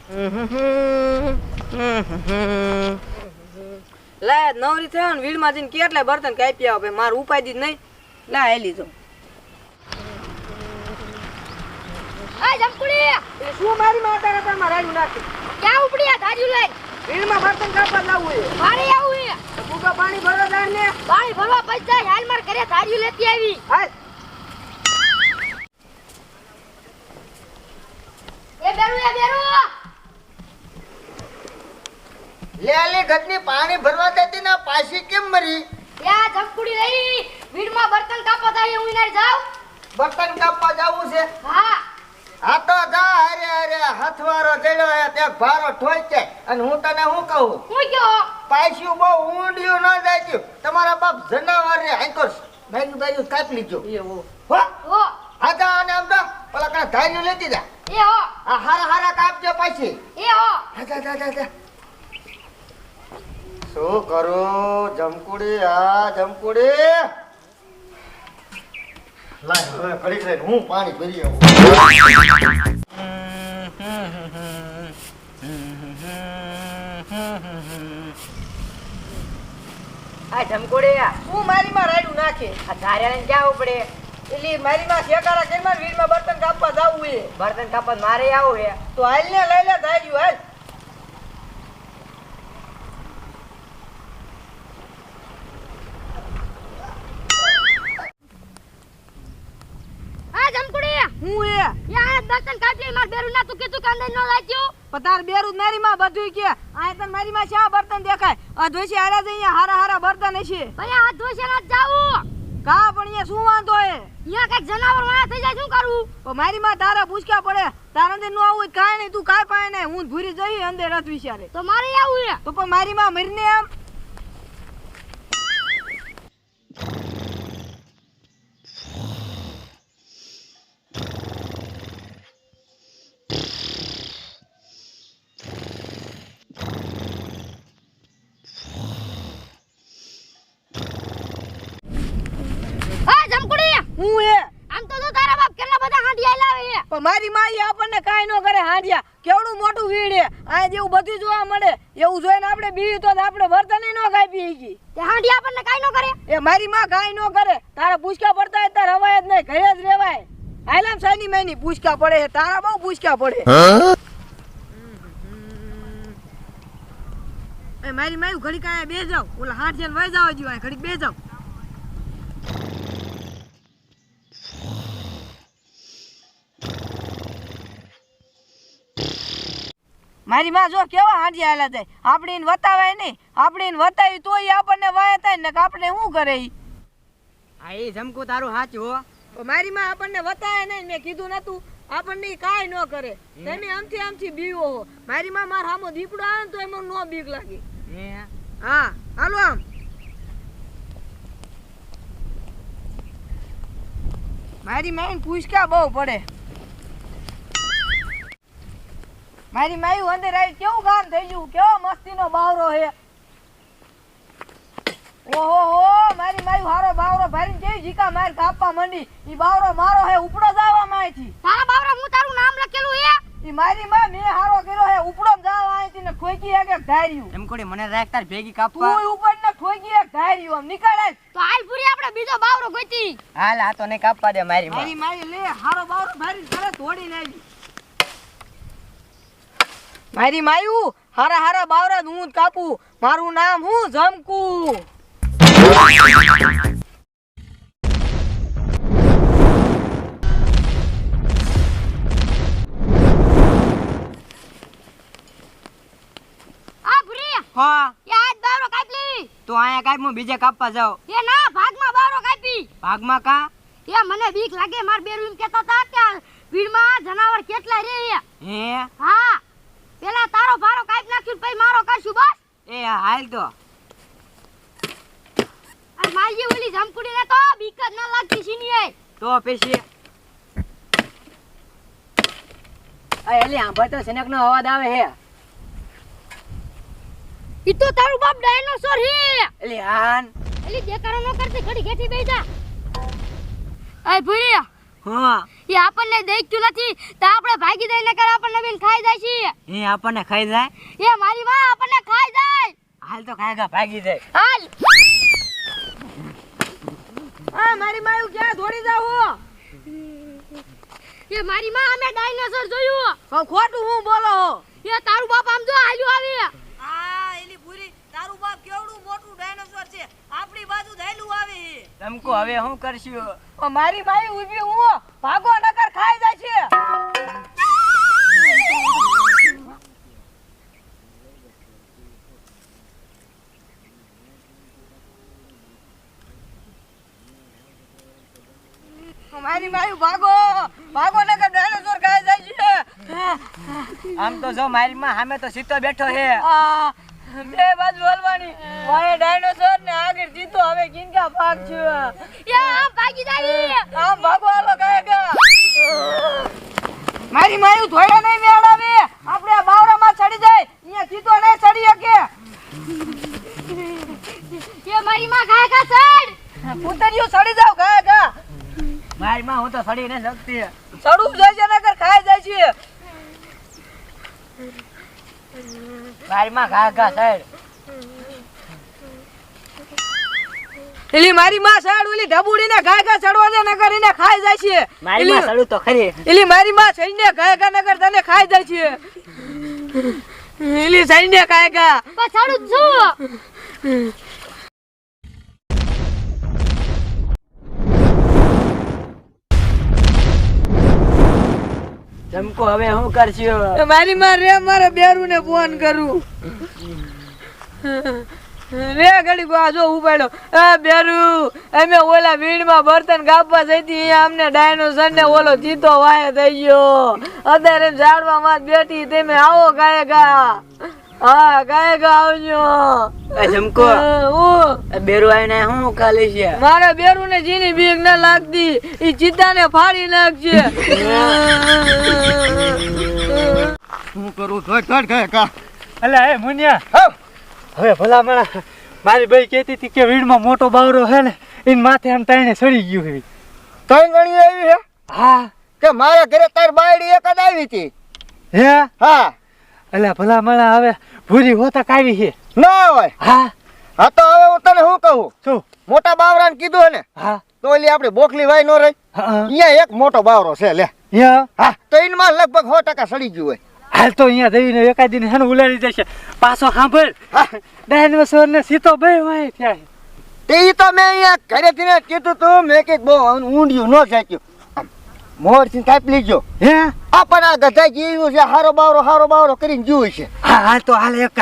લે નવરી થયો ને વીડમાં જઈને કેટલા બર્તન કાપી આવે મારું ઉપાય દી નહીં લે આ લીધો આ જમકુડી એ શું મારી માતા કરતા મારા નાખી ક્યાં ઉપડી આ ધાર્યું લઈ વીડમાં બર્તન કાપવા લાવવું છે મારે આવું છે ભૂકા પાણી ભરવા જાય ને પાણી ભરવા પૈસા હાલ માર ઘરે ધાર્યું લેતી આવી હાલ એ બેરું લે ઘટની પાણી ભરવા દેતી ને પાછી કેમ મરી યા જમકુડી લઈ વીડમાં બર્તન કાપવા થાય હું ઇનાર જાવ બર્તન કાપવા જાવું છે હા આ તો જા અરે અરે હથવારો ચડ્યો હે તે ભારો ઠોકે અને હું તને શું કહું હું ગયો પાછું બહુ ઊંડિયું ન જાય તમારા બાપ જનાવર રે આંકો બાયનું બાયનું કાપી લીજો એવું હો હો આજા અને આમ તો પેલા કણા ધાર્યું લેતી જા એ હો આ હારા હારા કાપજો પાછી એ હો આજા જા શું કરું જમકુડી આ જમકુડી લાય હવે ઘડીક રહીને હું પાણી ભરી આવું આ જમકોડે શું મારી માં રાયડું નાખે આ ધાર્યા ક્યાં ઉપડે એટલે મારી માં શેકારા કેમાં વીડમાં બર્તન કાપવા જાવું છે બર્તન કાપવા મારે આવું છે તો હાલ ને લઈ લે ધાર્યું હાલ આ જમકુડી હું એ યા બર્તન કાપી માર બેરું ના તું કીધું કાંદે ન લાગ્યો પતાર બેરું મારી માં બધું કે આ તને મારી માં શા બર્તન દેખાય આ જોઈશે હારા જઈ હારા હારા બર્તન છે ભઈ આ ધોશે ના જાવું કા પણ અહીંયા શું વાંધો હે યા કઈક જનાવર વાળા થઈ જાય શું કરું પણ મારી માં તારા પૂછકા પડે તારા અંદર નો આવું કાઈ નહીં તું કાઈ પાય નહીં હું ભૂરી જઈ અંદર રત વિચારે તો મારે આવું છે તો પણ મારી માં મરીને એમ હું એ આમ તો જો તારા બાપ કેટલા બધા હાંડિયા લાવે છે પણ મારી માઈ આપણને કાઈ નો કરે હાંડિયા કેવડું મોટું વીડ હે આ જેવું બધું જોવા મળે એવું જોઈને આપણે બીવી તો આપણે વર્તન નો કાપી ગઈ તે હાંડિયા આપણને કાઈ ન કરે એ મારી માં કાઈ નો કરે તારા પૂછકા પડતા હોય તાર હવાય જ નહીં ઘરે જ રહેવાય આલામ સાની મેની પૂછકા પડે છે તારા બહુ પૂછકા પડે એ મારી માયું ઘડી કાય બે જાવ ઓલા હાથ જન વઈ જાવ જીવા ઘડી બે જાવ મારી માં જો કેવા હાંડિયા હાલા જાય આપણે એને વતાવાય નહીં આપણે એને વતાવી તોય આપણને વાય થાય ને આપણે શું કરે ઈ હા એ જમકુ તારું સાચું હો મારી માં આપણને વતાવે નહીં મેં કીધું નતું આપણને કાઈ ન કરે તમે આમથી બીવો હો મારી માં માર સામો દીપડો આવે ને તો એમાં નો બીક લાગે હા હાલો આમ મારી માં પૂછકા બહુ પડે મારી માયું અંદર આવી કેવું કામ થઈ ગયું કેવો મસ્તીનો બાવરો હે ઓહો હો મારી માયું હારો બાવરો ભરીને કેવી જીકા માર કાપવા માંડી ઈ બાવરો મારો હે ઉપડો જાવા માંયથી તારા બાવરા હું તારું નામ લખેલું હે ઈ મારી માં મે હારો કર્યો હે ઉપડો જાવા માંયથી ને ઠોકી એક ધાર્યું એમ કોડી મને રાખ તાર ભેગી કાપવા તું ઉપર ને ઠોકી એક ધાર્યું આમ નીકળ આય તો હાલ પૂરી આપણે બીજો બાવરો ગોતી હાલ આ તો ને કાપવા દે મારી માં મારી માઈ લે હારો બાવરો ભરીને ઘરે દોડીને આવી મારી માયું હારા હારા બાવરા હું કાપું મારું નામ હું જમકુ આ પૂરી હા યાદ બાવરો કાપ લે તો આયા કાઈ હું બીજે કાપવા જાવ એ ના ભાગમાં બાવરો કાપી ભાગમાં કા એ મને બીક લાગે માર બેરું એમ કહેતા હતા કે ભીડમાં જનાવર કેટલા રે હે હા પેલા તારો ભારો કાપ નાખ્યું પછી મારો કરશું બસ એ હાલ તો આ માલજી ઓલી જમકુડીને તો બીક જ ન લાગતી છીનીએ તો પછી આ એલી આંભા તો સનક નો અવાજ આવે હે ઈ તો તારું બાપ ડાયનોસોર હે એલી હાન એલી દેકારો ન કરતી ઘડી ઘેટી બેસી જા આય ભૂરી હા એ આપણને દેખ્યું નથી તો આપણે ભાગી જઈને કર આપણને બેન ખાઈ જાય છે એ આપણને ખાઈ જાય એ મારી માં આપણને ખાઈ જાય હાલ તો ખાયગા ભાગી જાય હાલ આ મારી માયું ક્યાં દોડી જાવ એ મારી માં અમે ડાયનોસોર જોયું પણ ખોટું હું બોલો હો એ તારું બાપ આમ જો હાલ્યું આવે આ એલી પૂરી તારું બાપ કેવડું મોટું ડાયનોસોર છે આપણી બાજુ ધૈલું આવે તમકો હવે શું કરશું છે મારી માઈ ઊભી હું ભાગો નકર ખાઈ જાય છે મારી માયું ભાગો ભાગો નકર ડાયનોસોર ખાઈ જાય છે આમ તો જો મારી માં સામે તો સીતો બેઠો છે આ બે બાજુ હલવાની વાય ડાયનોસોર ને આગળ જીતો હવે કિનકા ભાગ છે એ આમ ભાગી જાય આમ ભાગો હાલો કાયગા મારી માયું ધોયા નહીં મેળાવે આપણે આ બાવરામાં ચડી જાય અહીંયા જીતો નહીં ચડી શકે એ મારી માં ખાય ખા ચડ પુતરીઓ ચડી જાવ કાયગા મારી માં હું તો સડી ન શકતી ચડવું જાય છે નકર ખાઈ જાય છે મારી માં ઘા ઘા સાઈડ એલી મારી માં સાડ ઓલી ઢબુડી ને ઘા ઘા ચડવા દે નકર એને ખાઈ જાય છે મારી માં સડું તો ખરી એલી મારી માં સૈન્ય ઘા ઘા નકર તને ખાઈ જાય છે એલી સૈન્ય ઘા ઘા પછાડું છું તમકો હવે શું કરશું મારી માં રે મારે બેરું ને ફોન કરું રે ઘડી બા જો ઉપાડ્યો એ બેરુ અમે ઓલા વીણમાં બર્તન ગાપવા જઈતી અહીંયા અમને ડાયનોસર ને ઓલો ચીતો વાય થઈ ગયો અત્યારે ઝાડવા માં બેઠી તમે આવો ગાયગા હા ગાયગા આવજો એ જમકો બેરું આવીને શું ખાલી છે મારે બેરું ને જીની બીક ના લાગતી ઈ ચીતા ને ફાડી નાખશે શું કરું ધોડ ગયા કા અલે એ મુનિયા હવે ભલા મારા મારી ભાઈ કહેતી હતી કે વીડમાં મોટો બાવરો છે ને એની માથે આમ તાઈને સડી ગયું છે ત્રણ ગણી આવી હે હા કે મારા ઘરે તાર બાયડી એક જ આવી હતી હે હા અલે ભલા મારા હવે ભૂરી હોતા કાવી છે ના હોય હા હા તો હવે હું તને શું કહું શું મોટા બાવરાને કીધું ને હા તો ઓલી આપડી બોખલી વાય નો રહી હા અહીંયા એક મોટો બાવરો છે લે યા હા તો એનમાં લગભગ 100% સડી ગયું હોય હાલ તો અહીંયા જઈને એકાદીને હેને ઉલાડી જશે પાછો સાંભળ ડાયનોસોર ને સીતો બે વાય થયા છે. તે ઈ તો મેં અહીંયા ઘરેથી ને કીધું તું મેં કે બહુ ઊંડિયું ન જાચ્યું મોર થી કાપી લીજો હે આ પણ આ ગધા જીવ્યું છે હારો બાવરો કરીને જીવું છે હા હાલ તો હાલ એક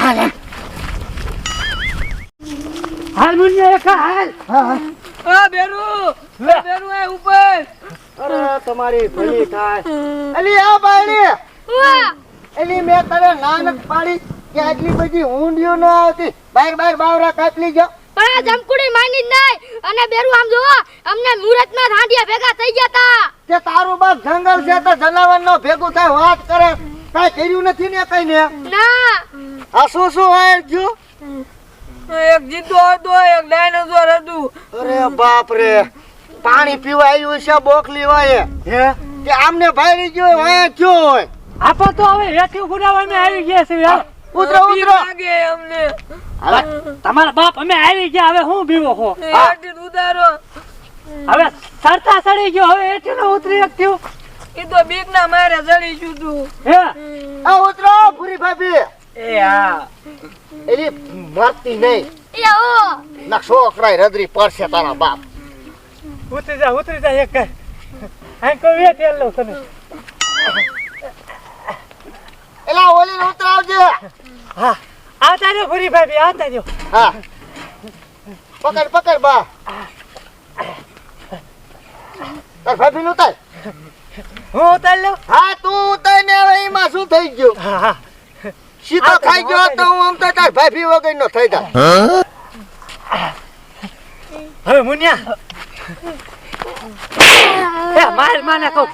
હાલ મુનિયા એક હાલ આ બેરુ બેરુ આ ઉપર અરે તમારી ભલી થાય અલી આ બાયડી વાહ એલી મેં તને નાનક પાડી કે આટલી બધી ઊંડિયું ન આવતી બાર બાવરા કાપી લીજો પણ આ જમકુડી માની જ નહીં અને બેરું આમ જો અમને મુહૂર્તમાં રાંડિયા ભેગા થઈ ગયા તા કે તારું બાપ જંગલ છે તો જનાવર નો ભેગું થાય વાત કરે કાઈ કર્યું નથી ને કઈ ને ના આ શું વાયર ગયું એક જીતો હતો એક ડાયનોસોર હતું અરે બાપ રે પાણી પીવા આવ્યું છે બોખલી વાય હે કે આમને ભાઈ ગયો વાય ક્યો હોય આપો તો હવે હેઠી ઉડાવવામાં આવી ગયા છે યાર ઉતરો બીક લાગે અમને તમારા બાપ અમે આવી ગયા હવે હું બીવો હો હેઠી ઉતારો હવે સરતા સડી ગયો હવે હેઠી નો ઉતરી થયું એ તો બીક ના મારે જડી છું તું હે આ ઉતરો પૂરી ભાભી એ હા એલી મરતી નહીં એ ઓ ના છોકરા રદરી પડશે તારા બાપ ઉતરી જા એક આ કોઈ વેટ લો તને એલા ઓલી ને ઉતરાવજે હા આવતા રહ્યો ભૂરી ભાભી આવતા રહ્યો હા પકડ બા તાર ભાભી નું ઉતાર હું ઉતાર લઉં હા તું ઉતાર ને હવે એમાં શું થઈ ગયું હા હા સીધો ખાઈ ગયો તો હું આમ તો તાર ભાભી વગર નો થઈ જા હવે મુનિયા એ માર માને કહું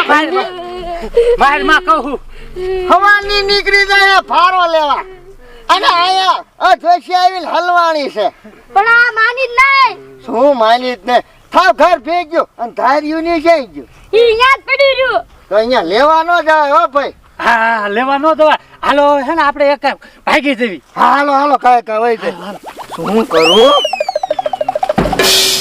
માર માં કહું હવાની નીકળી જાય ફારો લેવા અને આયા જોશી આવીને હલવાણી છે પણ આ માની જ નહીં શું માની જ ને થાવ ઘર ભેગ્યો અને ધાર્યું ની જઈ ગયું ઈ યાદ પડી રહ્યું. તો અહીંયા લેવા ન જાય હો ભાઈ. હા લેવા ન દવા હાલો હે ને આપણે એક ભાગી જવી હાલો હાલો કાંઈ કાંઈ વહી જાય. શું કરું